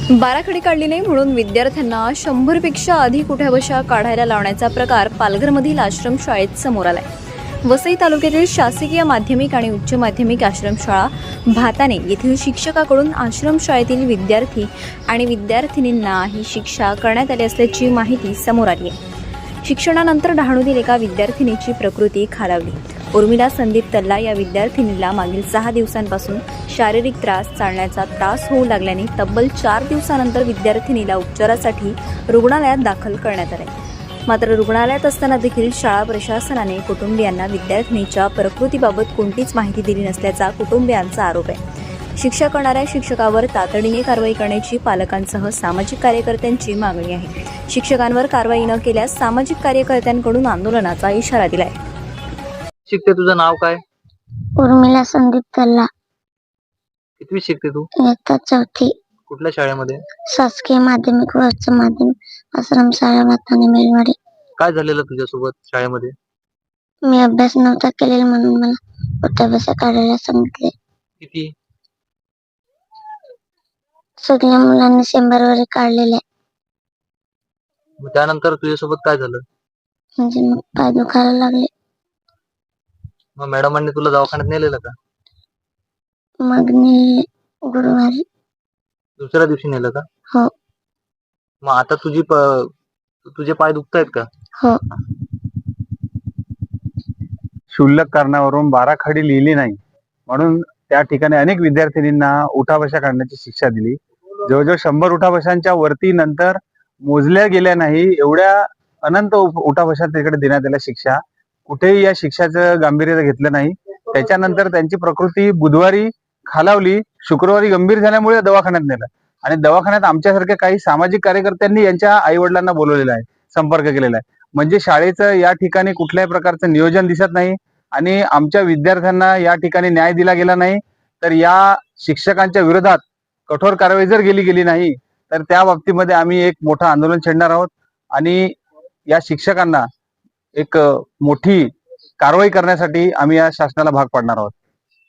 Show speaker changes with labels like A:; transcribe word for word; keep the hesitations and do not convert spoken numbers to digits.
A: बाराखडी काढली नाही म्हणून विद्यार्थ्यांना शंभर पेक्षा अधिक उठ्याबशा काढायला लावण्याचा प्रकार पालघरमधील आश्रमशाळेत समोर आलाय। वसई तालुक्यातील शासकीय माध्यमिक आणि उच्च माध्यमिक आश्रमशाळा भाताने येथील शिक्षकाकडून आश्रमशाळेतील विद्यार्थी आणि विद्यार्थिनींना ही शिक्षा करण्यात आली असल्याची माहिती समोर आली आहे। शिक्षणानंतर डहाणूतील एका विद्यार्थिनीची प्रकृती खालावली। उर्मिला संदीप तल्ला या विद्यार्थिनीला मागील सहा दिवसांपासून शारीरिक त्रास, चालण्याचा त्रास होऊ लागल्याने तब्बल चार दिवसानंतर विद्यार्थिनीला उपचारासाठी रुग्णालयात दाखल करण्यात आले। मात्र रुग्णालयात असताना देखील शाळा प्रशासनाने कुटुंबियांना विद्यार्थिनीच्या प्रकृतीबाबत कोणतीच माहिती दिली नसल्याचा कुटुंबियांचा आरोप आहे। शिक्षा करणाऱ्या शिक्षकावर तातडीने कारवाई करण्याची पालकांसह सामाजिक कार्यकर्त्यांची मागणी आहे। शिक्षकांवर कारवाई न केल्यास सामाजिक कार्यकर्त्यांकडून आंदोलनाचा इशारा दिलाय।
B: शिकते, तुझं नाव काय?
C: उर्मिला संदीप तल्ला।
B: कितवी शिकते तू?
C: इयत्ता चौथी।
B: कुठल्या शाळेमध्ये?
C: शासकीय माध्यमिक व उच्च माध्यमिक आश्रमशाळा भाताने मेलवाडी।
B: काय झालेलं तुझ्यासोबत शाळेमध्ये?
C: मी अभ्यास नव्हता केलेला म्हणून मला उठाबशा काढायला सांगितले।
B: किती?
C: सगळ्या मुलांनी शंभर वरे काढलेले।
B: मग त्यानंतर तुझ्यासोबत काय झालं?
C: म्हणजे मग पाय दुखायला लागले।
B: मग मॅडमांनी तुला दवाखान्यात नेलेलं का?
C: मग मी गुरुवारी।
B: दुसऱ्या दिवशी नेलं का?
C: हो।
B: मग आता तुझी प- तुझे पाय दुखतायत का?
C: हो।
D: क्षुल्लक कारणावरून बाराखडी लिहिली नाही म्हणून त्या ठिकाणी अनेक विद्यार्थिनींना उठाबशा काढण्याची शिक्षा दिली। जवळजवळ शंभर उठाबशांच्या वरती नंतर मोजल्या गेल्या नाही एवढ्या अनंत उठाबशा तिकडे देण्यात आल्या शिक्षा। कुठेही या शिक्षाचं गांभीर्य घेतलं नाही। त्याच्यानंतर त्यांची प्रकृती बुधवारी खालावली, शुक्रवारी गंभीर झाल्यामुळे दवाखान्यात नेलं आणि दवाखान्यात आमच्यासारख्या काही सामाजिक कार्यकर्त्यांनी यांच्या आई वडिलांना बोलवलेलं आहे, संपर्क केलेला आहे। म्हणजे शाळेचं या ठिकाणी कुठल्याही प्रकारचं नियोजन दिसत नाही आणि आमच्या विद्यार्थ्यांना या ठिकाणी न्याय दिला गेला नाही। तर या शिक्षकांच्या विरोधात कठोर कारवाई जर गेली गेली नाही तर त्या बाबतीमध्ये आम्ही एक मोठं आंदोलन छेडणार आहोत आणि या शिक्षकांना एक मोठी कारवाई करण्यासाठी आम्ही या शासनाला भाग पाडणार आहोत।